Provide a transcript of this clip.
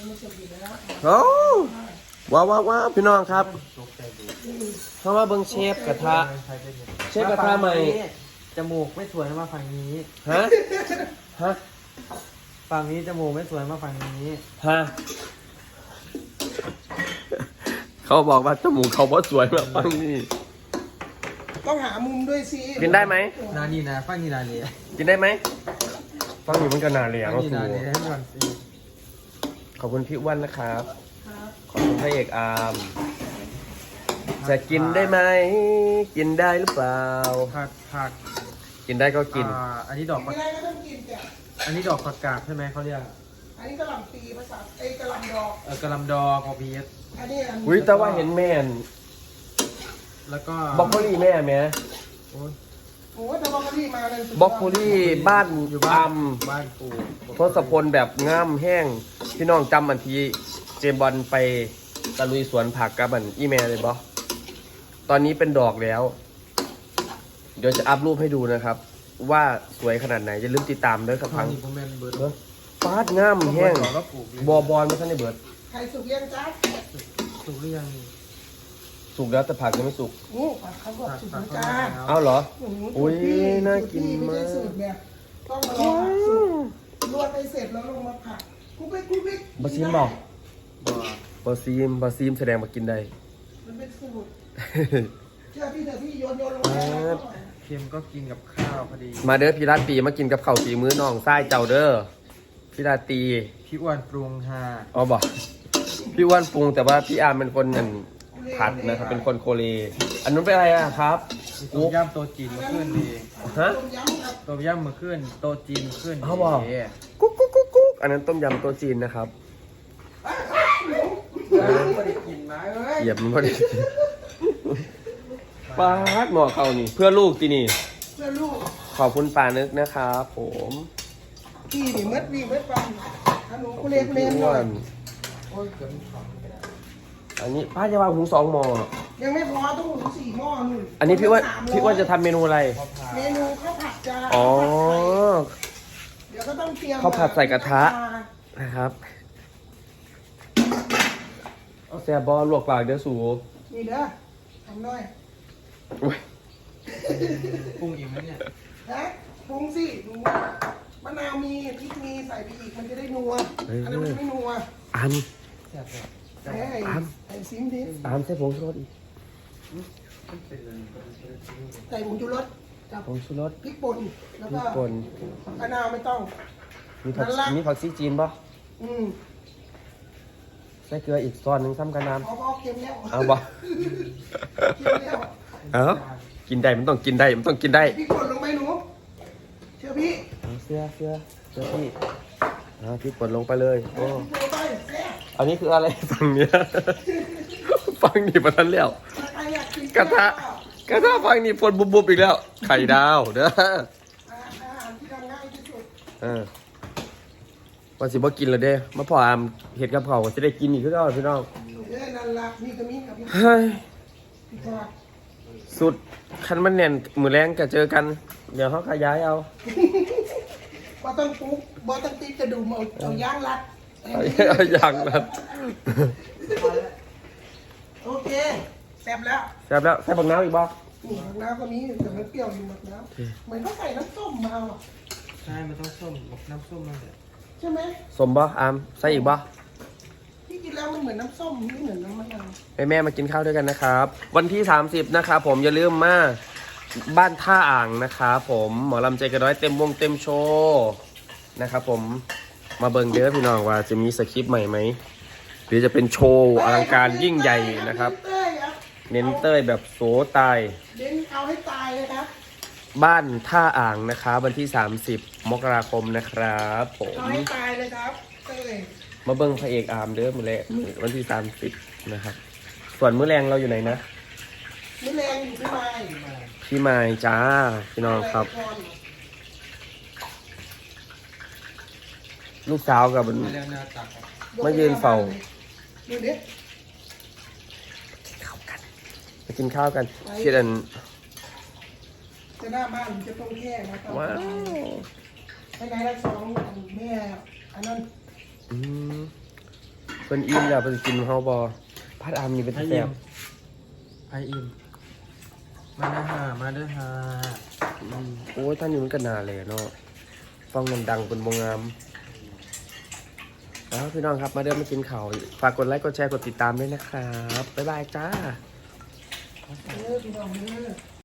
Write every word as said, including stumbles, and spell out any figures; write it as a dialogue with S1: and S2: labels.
S1: โอ้ว้าวว้าวว้าวพี่น้องครับเข้ามาเบิ้งเชฟกระทะเชฟกระทะใหม่
S2: จมูกไม่สวยมาฝั่งนี้
S1: ฮะฮะ
S2: ฝั่งนี้จมูกไม่สวยมาฝั่งนี้
S1: ฮะเขาบอกว่าจมูกเขาเพราะสวยแบบฝั่งนี้
S3: ต้องหามุมด้วยสิ
S1: กินได้ไหม
S2: นานี่นะฝั่งนี้นาเลย
S1: กินได้ไหมฝั่งนี้มันก็นาเลยอ่ะก็สูขอบคุณพี่อ้วนนะครับขอบคุณพระเอกอาร์มจะกินได้ไหมกินได้หรือเปล่า
S2: ผักผัก
S1: กินได้ก็กิน
S2: อันนี้ดอก
S3: ไม่ได้ก็ต้องกินจ้ะ
S2: อันนี้ดอกผักกาดใช่ไหมเขาเรียก
S3: อันนี้กระหล่ำปีภาษาไอ้กระหล่ำดอก
S2: เออกระหล่ำดอกของพีเอส
S3: อันนี้
S1: อุ้ยแต่ว่าเห็นแม่น
S2: แล้วก็
S1: บล็อกโคลี่แม่แม่
S3: โอ้โหแต่บล็อกโคลี่มาเลย
S1: บล็อกโคลี่บ้าน
S2: อยู่
S1: บ้าน
S2: บ้านปู
S1: ทศพลแบบง่ามแห้งพี่น้องจำมันทีเจมบอลไปตะลุยสวนผักกับมันอีเมลเลยบอตอนนี้เป็นดอกแล้วเดี๋ยวจะอัพรูปให้ดูนะครับว่าสวยขนาดไหนจะลืมติดตามด้วยครับพังฟาดง่ามแห้งบอบอลไม่ใช่ในเบิร์ด
S3: ใครสุกเลี้ยงจ้า
S2: สุกเลี้ยง
S1: สุกแล้วแต่ผักยังไม่สุก
S3: นี่เขาบอกสุกแล้วจ้า
S1: เอาเหรออุ้ยน่ากินมาก
S3: ต้องมารอสุกลวกไปเสร็จแล้วลงมาผักกุ๊กปิ๊กกุ๊กปิ๊ก
S1: บะซีมบอกบะซีมบะซีมแสดงมากินได้
S3: มันเป็นสูตรเชื่อพี่เถอะพี่โยนโยนลงไป
S2: เค็มก็กินกับข้าวพอดี
S1: มาเด้อพี่ราตรีมากินกับข้าวสีมื้อน้องไส้เจ้าเด้อพี่ราตรี
S2: พี่อ้วนปรุงฮะ
S1: อ๋อบอกพี่อ้วนปรุงแต่ว่าพี่อาร์มเป็นคนนั่นผัดนะครับเป็นคนโคเรอันนู้นเป็นอะไรอะครับ
S2: ต้มยำโตจีนมาขึ้นดี
S1: ฮะ
S2: ต้มยำมาขึ้นโตจีนขึ้น
S1: เขาบอกกุ๊กกุ๊กกุ๊กกุ๊กอันนั้นต้มยำโตจีนนะครับเหยียบมันพอดีปาดหมอเขานี่เพื่อลูกที่นี่
S3: เพื่อลูก
S1: ขอบคุณป่านึกนะครับผม
S3: พี่นี่มัดวีมัดปังฮัลโหลคุเรคุเรหน่อย
S1: อันนี้ป้าจะวางหุงสองหม้อ
S3: ยังไม่พอต้องหุงสี่หม้อนู่น
S1: อันนี้พี่ว่าพี่ว่าจะทำเมนูอะไร
S3: เมนูข้าวผัดจ้า
S1: อ๋อ
S3: เดี๋ยวก็ต้องเตรียม
S1: ข้าวผัดใส่กระทะนะครับเอาแซ่บบอลวกปากเดี๋ยวสู
S3: นี่เด้อทำหน่อย
S2: ปรุงอีกไหมเนี่ย
S3: นะปรุงสิดูมะนาวมีพริกมีใส่ไปอีกมันจะได้นัวอันนี้มันจะไม่นัว
S1: อัน
S3: ไอ้ไอ้ซิมดิ
S1: อามใส่ผงชูรสอีก
S3: ใส่ผงชูรสกับ
S1: ผงชูรส
S3: พริกป่นแล้วก็มะนาวไม่ต้อง
S1: มีผักมีผักซีจีนป่ะ
S3: อืม
S1: ใส่เกลืออีกซอนหนึ่งซ้ำกันน้ำ
S3: เอาเค็มแล้ว
S1: เอาบ่เอากินได้มันต้องกินได้มันต้องกินได้
S3: พริกป่นลงไปหนูเชื่อพี่
S1: เสื้อเสื้อเสื้อพี่อ่าพริกป่นลงไปเลยโอ้อันนี้คืออะไรฝั่งเนี้ยฝั่งนี้มาทันแล้วกระทะกระทะฝั่งนี้ป่นบุบๆอีกแล้วไข่ดาวเด้ออา
S3: หารที่ทำง่ายที่สุด
S1: เออวันสิบ่กินเลยเด้มาพออามเห็ดกับเขาจะได้กินอีกคือเก่าพี่น้อง
S3: เอ้ยนั่นละมีกระมิ้นกับพี่
S1: เฮ้ยสุดคันมันแน่นมือแรงก็เจอกันเดี๋ยวเขาขยายเอา
S3: บอต้องปุ๊บบอต้องตีกระดูกเอาเอาย่างรัด
S1: เอาย่างรัด
S3: โอเคแซ่บแล้ว
S1: แซ่บแล้วใส่บักน้ำอีกบ่
S3: นี่บักน้ำก็มีแต่ไม่เปรี้ยวอยู่บักน้ำเหมือนเขาใส่น้ำส้มมาอ่ะ
S2: ใช่มันต้องส้มน้ำส้มมาเลย
S3: ใช่ไหม
S1: สมบ่อามใส่อีกบ่
S3: ที่กินแล้วมันเหมือนน้ำส้มไม่เหมือนน้ำมะนาว
S1: ให้แม่มากินข้าวด้วยกันนะครับวันที่สามสิบนะครับผมอย่าลืมมาบ้านท่าอ่างนะครับผมหมอลำใจกระร้อยเต็มวงเต็มโชว์นะครับผมมาเบิ่งเด้อพี่น้องว่าจะมีสคริปต์ใหม่ไหมหรือจะเป็นโชว์อลังการยิ่งใหญ่นะครับเน้นเต้ยแบบโสตาย
S3: เน้นเอาให้ตายเลยครับ
S1: บ้านท่าอ่างนะครับวันที่สามสิบมกราคมนะครับผม
S3: เอาให้ตายเลยครับเต้ย
S1: มาเบิ่งพระเอกอาร์มเด้อมื้อแรกวันที่สามสิบนะครับส่วนมื้อแรงเราอยู่ไหนนะ
S3: มื้อแรงอยู่ที่ไม้
S1: พี่ไม้จ้าพี่น้องครับลูกสาวกับมายืนเฝ้า
S3: ดูดิ
S1: ข้าวกันมากินข้าวกันเชื่อกัน
S3: จะหน้าบ้านจะต้องแค่นะครับว้าวไปไหนละสองแม่อันนั้น
S1: อืมเพิ่นอิ่มแล้วเพิ่นกินเฮาบ่พัดอามนี่เป็น
S2: ไอ
S1: แซ่
S2: อิ่
S1: บ
S2: มไออิ่มมาเด้อฮามาเด้อฮา
S1: อืมโอ้ยท่านอยู่มันก็น่าเลยเนาะฟังมันดังเป็นบ่งามแล้วพี่น้องครับมาเด้อมากินข้าวฝากกดไลค์กดแชร์กดติดตามด้วยนะครับบ๊ายบายจ้า
S3: เออพี่น้องเออ